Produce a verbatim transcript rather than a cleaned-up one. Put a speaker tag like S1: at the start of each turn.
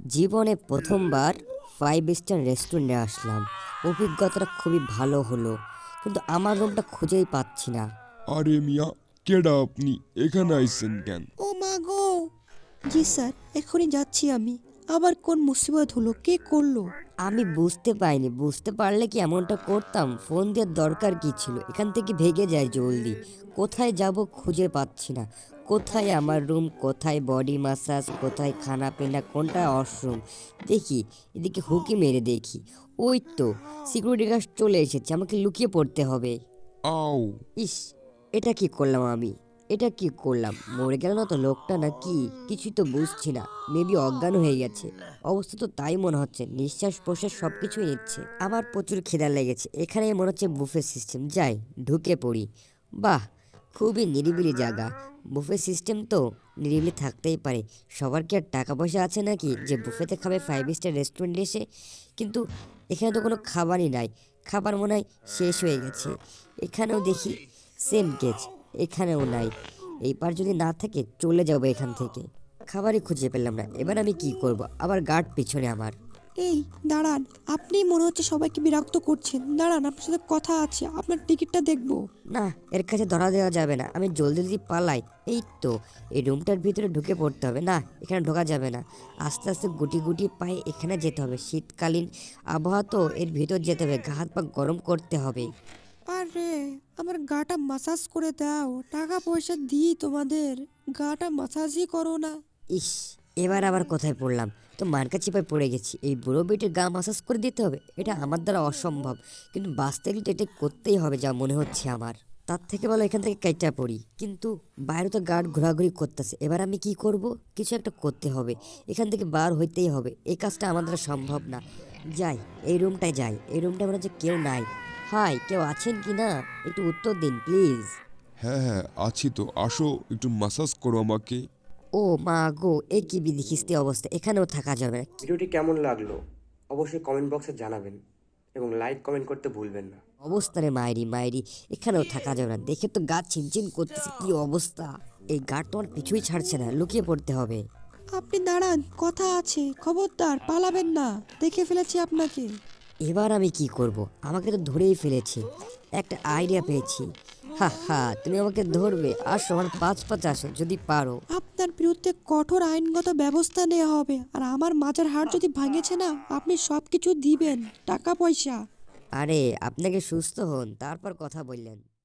S1: জীবনে প্রথমবার five star রেস্টুরেন্টে আসলাম। অভিজ্ঞতাটা খুবই ভালো হলো, কিন্তু আমার রুমটা খুঁজেই পাচ্ছি না।
S2: আরে মিয়া, কেডা আপনি এখানে আইছেন কেন?
S3: ও মা গো! জি স্যার, এখনই যাচ্ছি আমি। আবার কোন মুসিবত হলো? কে করলো?
S1: আমি বুঝতে পাইনি, বুঝতে পারলে কি এমনটা করতাম? ফোন দেওয়ার দরকার কি ছিল? এখান থেকে ভেগে যাই জলদি। কোথায় যাব খুঁজে পাচ্ছি না। কোথায় আমার রুম, কোথায় বডি মাসাজ, কোথায় খানা পিনা, কোনটা ওয়াশরুম? দেখি এদিকে হুকি মেরে দেখি। ওই তো সিকিউরিটি গার্ড চলে এসেছে, আমাকে লুকিয়ে পড়তে হবে।
S2: আও!
S1: ইস, এটা কি করলাম আমি? এটা কি করলাম? মরে গেল না তো লোকটা, নাকি কিছুই তো বুঝছি না। মেবি অজ্ঞান হয়ে গেছে, অবস্থা তো তাই মনে হচ্ছে। নিঃশ্বাস প্রশ্বাস সবকিছুই নিচ্ছে। আমার প্রচুর খিদা লেগেছে। এখানে মনে হচ্ছে বুফে সিস্টেম, যাই ঢুকে পড়ি। বাহ, খুবই নিরিবিলি জায়গা। বুফে সিস্টেম তো নিরিবিলি থাকতেই পারে। সবার কি আর টাকা পয়সা আছে নাকি যে বুফেতে খাবে ফাইভ স্টার রেস্টুরেন্টে এসে? কিন্তু এখানে তো কোনো খাবারই নাই। খাবার মনে হয় শেষ হয়ে গেছে। এখানেও দেখি সেম কেস, এখানেও নাই। এইবার যদি না থাকে চলে যাবো এখান থেকে। খাবারই খুঁজে পেলাম না, এবার আমি কি করব? আবার গার্ড পিছনে আমার।
S3: এই দাঁড়ান, আপনি মনে হচ্ছে সবাইকে বিরক্ত করছেন। দাঁড়ান, আপনার সাথে কথা আছে, আপনার টিকিটটা দেখবো।
S1: না, এর কাছে ধরা দেওয়া যাবে না। আমি জলদি জলদি পালাই। এই তো এই রুমটার ভিতরে ঢুকে পড়তে হবে। না, এখানে ঢোকা যাবে না। আস্তে আস্তে গুটি গুটি পায়ে এখানে যেতে হবে। শীতকালীন আবহাওয়া তো, এর ভিতর যেতে হবে। গা হাত পা গরম করতে হবে।
S3: আরে, আমার গাটা মাসাজ করে দাও। টাকা পয়সা দিই তোমাদের, গাটা মাসাজই করো না।
S1: ইস, এবার আবার কোথায় পড়লাম? তো মার্কা চিপায় পড়ে গেছি। এই বুড়ো বেটির গা মাসাজ করে দিতে হবে, এটা আমার দ্বারা অসম্ভব। কিন্তু বাঁচতে গেলে তো এটা করতেই হবে যা মনে হচ্ছে আমার। তার থেকে ভালো এখান থেকে কাইটা পড়ি। কিন্তু বাইরে তো গার্ড ঘোরাঘুরি করতেছে। এবার আমি কি করব? কিছু একটা করতে হবে। এখান থেকে বার হইতেই হবে। এই কাজটা আমার দ্বারা সম্ভব না। যাই, এই রুমটায় যাই। এই রুমটা মনে হচ্ছে কেউ নাই। হাই, কেউ আছেন কি না? একটু উত্তর দিন প্লিজ।
S2: হ্যাঁ হ্যাঁ, আছি তো। আসো, একটু মাসাজ করো আমাকে।
S1: ও মা গো, এ কি বিধিখিস্তি অবস্থা! এখানেও থাকা যাবে না।
S4: ভিডিওটি কেমন লাগলো অবশ্যই কমেন্ট বক্সে জানাবেন এবং লাইক কমেন্ট করতে ভুলবেন না।
S1: অবস্থানে মায়েরি মায়েরি, এখানেও থাকা যাবে না। দেখে তো গা ছিনচিন করতেছে, কি অবস্থা! এই গার্ড তোমার পিছুই ছাড়ছে না, লুকিয়ে পড়তে হবে।
S3: আপনি দাঁড়ান, কথা আছে। খবরদার পালাবেন না, দেখে ফেলেছি আপনাকে।
S1: এবার আমি কি করব? আমাকে তো ধরেই ফেলেছে। একটা আইডিয়া পেয়েছি। হা হা, তুমি আমাকে ধরবে? আসো আমার পাঁচ পাঁচ আসো যদি পারো।
S3: আপনার বিরুদ্ধে কঠোর আইনগত ব্যবস্থা নেওয়া হবে। আর আমার মাজার হাড় যদি ভাঙেছে না, আপনি সব কিছু দিবেন, টাকা পয়সা।
S1: আরে আপনাকে সুস্থ হন তারপর কথা বললেন।